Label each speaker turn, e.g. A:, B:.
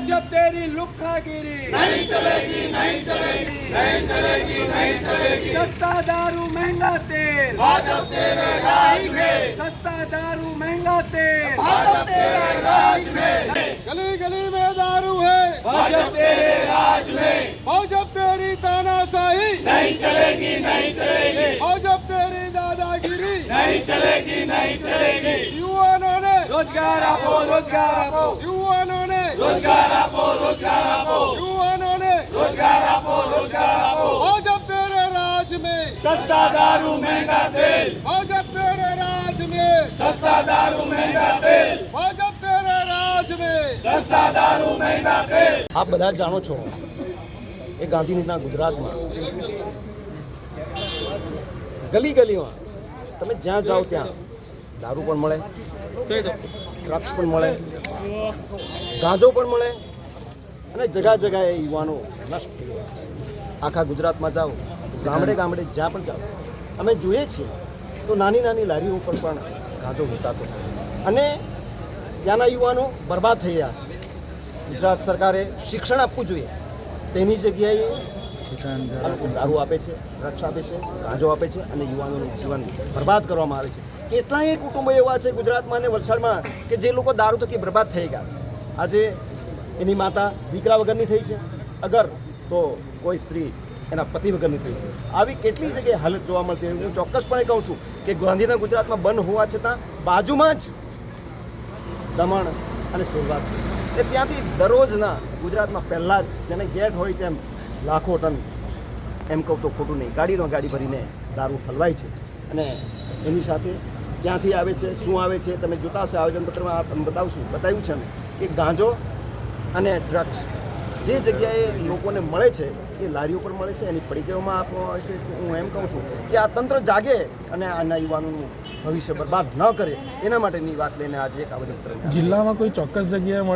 A: भाजप तेरी लुक्खागिरी नहीं चलेगी, नहीं चलेगी, नहीं चलेगी, नहीं चलेगी। सस्ता दारू महंगा तेल भाजप तेरे राज में, सस्ता दारू महंगा तेल भाजप तेरे राज में। गली गली में दारू है भाजप तेरे राज में, भाजप तेरी तानाशाही नहीं चलेगी, नहीं चलेगी, भाजप तेरी दादागिरी नहीं चलेगी, नहीं चलेगी। युवाओं ने रोजगार आपो, रोजगार आपो, युवाओं ने रोजगार आपो, रोजगार आपो, युवाओं ने रोजगार आपो, रोजगार आपो। भाजप तेरे राज में सस्ता दारू महंगा तेल, भाजप तेरे राज में सस्ता दारू महंगा तेल, भाजप तेरे राज में सस्ता दारू महंगा तेल।
B: આપ બધા જાણો છો એ ગાંધીનગરના ગુજરાતમાં ગલી ગલીમાં તમે જ્યાં જાઓ ત્યાં દારૂ પણ મળે, ડ્રગ્સ પણ મળે, ગાંજો પણ મળે અને જગા જગાએ યુવાનો નષ્ટ થઈ ગયા છે. આખા ગુજરાતમાં જાઓ, ગામડે ગામડે જ્યાં પણ જાઓ અમે જોઈએ છીએ તો નાની નાની લારીઓ ઉપર પણ ગાંજો વેચાતો અને ત્યાંના યુવાનો બરબાદ થઈ રહ્યા છે. ગુજરાત સરકારે શિક્ષણ આપવું જોઈએ, તેની જગ્યાએ દારૂ આપે છે, ડ્રગ્સ આપે છે, ગાંજો આપે છે અને યુવાનોનું જીવન બરબાદ કરવામાં આવે છે. કેટલાય કુટુંબો એવા છે ગુજરાતમાં અને વલસાડમાં કે જે લોકો દારૂ થકી બરબાદ થઈ ગયા છે. આજે એની માતા દીકરા વગરની થઈ છે, અગર તો કોઈ સ્ત્રી એના પતિ વગરની થઈ છે. આવી કેટલી જગ્યાએ હાલત જોવા મળતી હોય. હું ચોક્કસપણે કહું છું કે ગાંધીનગર ગુજરાતમાં બંધ હોવા છતાં બાજુમાં જ દમણ અને સેલવાસ છે. એ ત્યાંથી દરરોજના ગુજરાતમાં પહેલાં જ જેને ગેટ હોય તેમ લાખો ટન, એમ કહું તો ખોટું નહીં, ગાડી ભરીને દારૂ ઠલવાય છે. અને એની સાથે ક્યાંથી આવે છે, શું આવે છે, તમે જોતા હશે આવેદનપત્રમાં બતાવ્યું છે અમે કે ગાંજો અને ડ્રગ્સ જે જગ્યાએ લોકોને મળે છે એ લારીઓ પર મળે છે, એની પડીકીઓમાં આપવામાં આવે છે. હું એમ કહું છું કે આ તંત્ર જાગે અને આના યુવાનોનું ભવિષ્ય બરબાદ ન કરે એના માટેની વાત લઈને આજે એક આવેદનપત્ર.
C: જિલ્લામાં કોઈ ચોક્કસ જગ્યાએ